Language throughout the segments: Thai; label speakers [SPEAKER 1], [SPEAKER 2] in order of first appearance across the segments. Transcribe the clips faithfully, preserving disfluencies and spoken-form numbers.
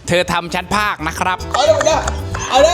[SPEAKER 1] เธอทำชั้นภาคนะครับ
[SPEAKER 2] เอาเลยเด้อเอาเลย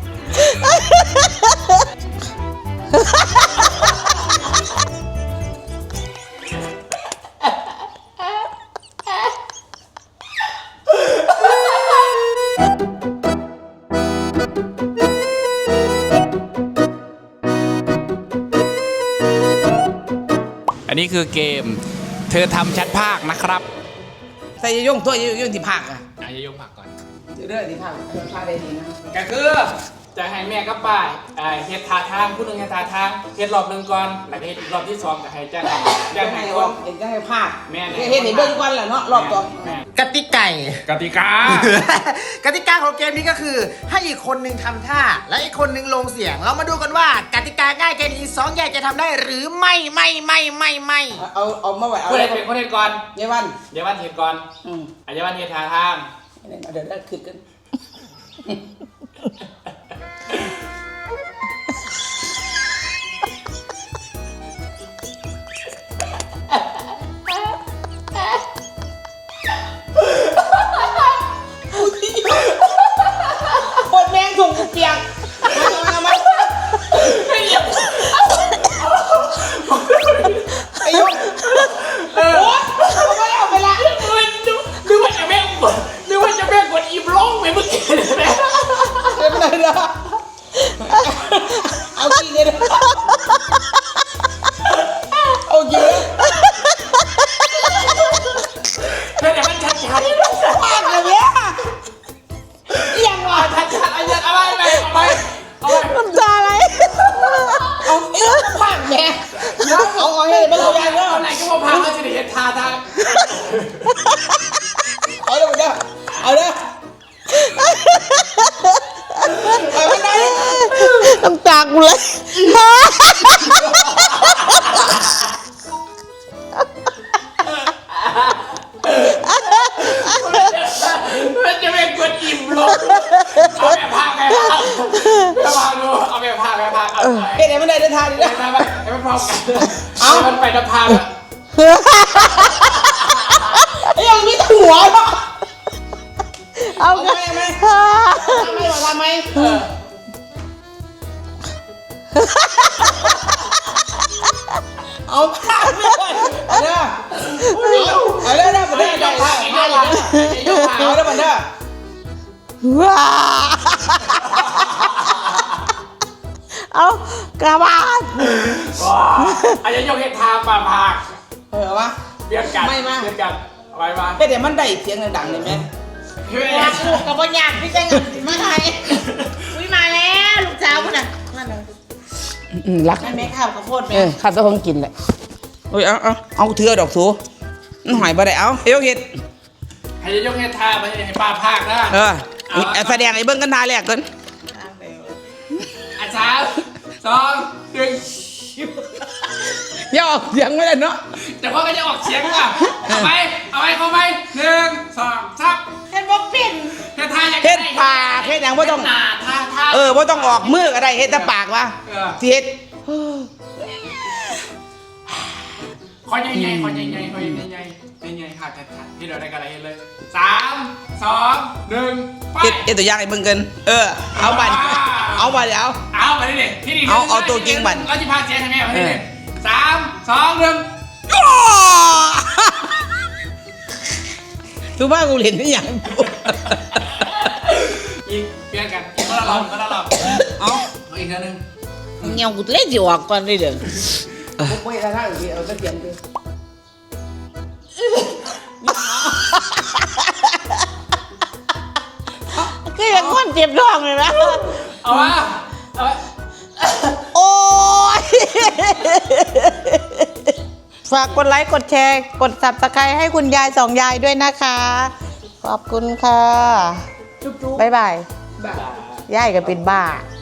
[SPEAKER 1] อันนี้คือเกมเธอทำชั้นภาคนะครับ
[SPEAKER 2] ใส่ย่งถ้วยย่งที่ภาคอ่ะ
[SPEAKER 1] อาจะยกผักก่อน
[SPEAKER 2] เรื่องที่ภาคภาคได้ดีนะ
[SPEAKER 1] ก็คือจะให้แม่กับป้าเฮ็ดท่าทางผู้หนึ่งเฮ็ดท่าทางเฮ็ดรอบหนึ่งก่อนแล้วก็เฮ็ดอีกรอบที่สองก็ให้จ้างจ้างให้คน
[SPEAKER 2] เห็นจะให้ภาค
[SPEAKER 1] แม่
[SPEAKER 2] เห็นเห็นเบิ้งก่อนแหละเนาะรอบต่อก
[SPEAKER 3] ติกาก
[SPEAKER 1] ติกาก
[SPEAKER 3] ติกาของเกมนี้ก็คือให้อีกคนหนึ่งทำท่าและอีกคนหนึ่งลงเสียงเรามาดูกันว่ากติกาง่ายแค่นี้สองยายจะทำได้หรือไม่ไม่ไม่ไม่ไม่
[SPEAKER 2] เอาเอามาไว้เอา
[SPEAKER 1] คนเฮ็ดเป็นคนเฮ็ดก่อน
[SPEAKER 2] ยายวัน
[SPEAKER 1] ยายวันเฮ็ดก่อน
[SPEAKER 2] อืม
[SPEAKER 1] ยายวันเฮ็ดท่าทาง
[SPEAKER 2] เดี๋ยวได้คืนกันปวดแมงถุงเปียกมามาไอ้ยุไอ้ยุโอ๊ยเอาไปเอาไปละ
[SPEAKER 1] นึกว่าจะแม่งนึกว่าจะแม่งกดอีบร้องไปเมื่อกี้เลยนะ
[SPEAKER 2] ไม่เป็นไรนะเอากี่เลยเอากี่เลย
[SPEAKER 1] แล้วเดี๋ยวมันชัดชัด
[SPEAKER 2] มากเลยเนี่ยยังวะ
[SPEAKER 1] ชัดชัดอะไรอะไรไปเอาไปเอาไป
[SPEAKER 4] น้ำตาไหล
[SPEAKER 2] เอาเอ๊ะมากแม่เอาเอาให้มันเอาอย่างเงี้ย
[SPEAKER 1] ไหนก็มาพาเขาจะได้เห็นท่าทาง
[SPEAKER 2] เอาเลยเด้อเอาเลยเอาไม่ได้
[SPEAKER 4] น้ำตากูเลย
[SPEAKER 1] มันจะเป็นกดอิ่มลงเอาแบบพาไปพาพาดูเอาแบบพาไปพาเอา
[SPEAKER 2] เฮ้ยไหนมันได้เดินทางดีนะ
[SPEAKER 1] ไปไปพร้อมกันเอามันไปจะพาแบบ
[SPEAKER 2] ยังมีหัวเนาะ
[SPEAKER 4] เอา
[SPEAKER 2] ทำไมไหมทำไมทำไมเอาผ้าไม่ไหวเอาเด้อเอาเด้อเด้อมาเด้อได้ผ้าผ้าเลยเอาเด้อมาเด้อ
[SPEAKER 4] ว้าเอากระบาด
[SPEAKER 1] อาจจะยกเห็ดทางมาพาก
[SPEAKER 2] เออวะ
[SPEAKER 1] เบียดกัน
[SPEAKER 2] ไม่มา
[SPEAKER 1] เบียดกันอะไรมา
[SPEAKER 2] เฮ้ยเดี๋ยวมันได้เสียงดังๆเลยไหม
[SPEAKER 4] อยากลูกกับบอลอยากพี่แจ้งมาไทยอุ้ยมาแล้วลูกสาวคุณน่ะมาเลยรัก
[SPEAKER 2] แม่ข้าวข้าวโพดแม่
[SPEAKER 4] เออข้าวจะคงกินแหละ
[SPEAKER 2] อุ้ยเอาเอาเอาเถื่อดอกสูหอยบ่ได้เอาเฮ้ยเห็ด
[SPEAKER 1] ให้ยกเห็ดทางไปให้ป้าพากนะ
[SPEAKER 2] เออแสดงไอ้เบิ้งกันทาแรกกัน
[SPEAKER 1] อาจารย์สองหนึ่ง
[SPEAKER 2] ย่อเสียงไม่ได้เนาะ
[SPEAKER 1] แต่ว่าก็จะออกเสียงอ่ะเอาไปเอาไปเข้าไปหนึ่งสองสาม
[SPEAKER 4] เห็ดบ่ปิ่น
[SPEAKER 1] เฮ็ดทาอย่าง
[SPEAKER 2] เฮ็ดปากเฮ็ดอย่างว่าต้องเออว่าต้องออกมือก็ได้เฮ็ดแต่ปากวะเฮ็ด
[SPEAKER 1] คอยใหญ่ๆคอยใหญ่ๆคอยใหญ่ๆใหญ่ๆขาดขาดที่เราได้กันอะไรเลยสามสองหนึ่งไป
[SPEAKER 2] เฮ็ดเฮ็ดตัวอย่างไอ้เบิ้งกันเออเอาบันเอาบันเดี๋ยว
[SPEAKER 1] เอาไปดิที่นี่
[SPEAKER 2] เอาเอาตัวจริงบัน
[SPEAKER 1] เราจะพาเสียงให้แม่มาที่นี่สามสองหนึ่ง
[SPEAKER 2] ทุกบ้านกูเห็นนี่อย่าง
[SPEAKER 1] อีกเปลี่ยนกันอีกคนละรอบคนละรอบเอาอีกครั้งหนึ่ง
[SPEAKER 4] เงี้ยกูเล่นจีวกก่อนเลยเด้อ
[SPEAKER 2] ผมไม่ได้ท่าอื่นเอาตะเกียงดู
[SPEAKER 4] ก็ยังคนเจ็บท้องเลยนะ
[SPEAKER 1] เอาวะเอาวะ
[SPEAKER 4] โอ้ยฝากกดไลค์กดแชร์กด ซับสไครบ์ให้คุณยายสองยายด้วยนะคะขอบคุณค่ะบ๊ายบายยายก็เป็นบ้า